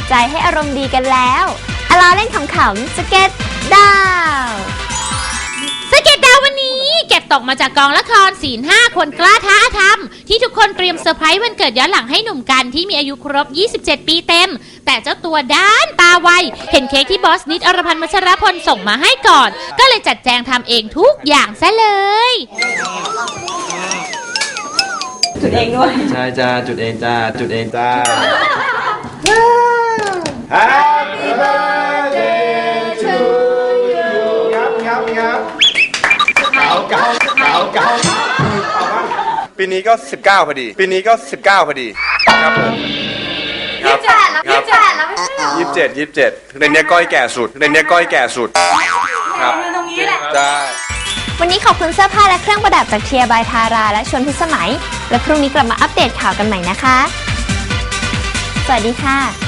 ใจให้อารมณ์ดีกันแล้วล้อเล่นขำๆสเก็ตดาวสเก็ตดาววันนี้เก็บตกมาจากกองละครศีล5คนกล้าท้าอาธรรมที่ทุกคนเตรียมเซอร์ไพรส์วันเกิดย้อนหลังให้หนุ่มกันที่มีอายุครบ27 ปีเต็มแต่เจ้าตัวด้านตาไวเห็นเค้กที่บอสนิดอรพันธ์วัชรพลส่งมาให้ก่อนก็เลยจัดแจงทำเองทุกอย่างซะเลยจุดเองด้วยใช่จ้าจุดเองจ้าจุดเองจ้า Happy birthday to you ครับเก่าปีนี้ก็19พอดีครับผม 28แล้วไม่ใช่เหรอ 27ในเนี้ยก้อยแก่สุดครับตรงนี้แหละใช่วันนี้ขอบคุณเสื้อผ้าและเครื่องประดับจากเทียบายทาราและชวนพิสมัยและพรุ่งนี้กลับมาอัปเดตข่าวกันใหม่นะคะสวัสดีค่ะ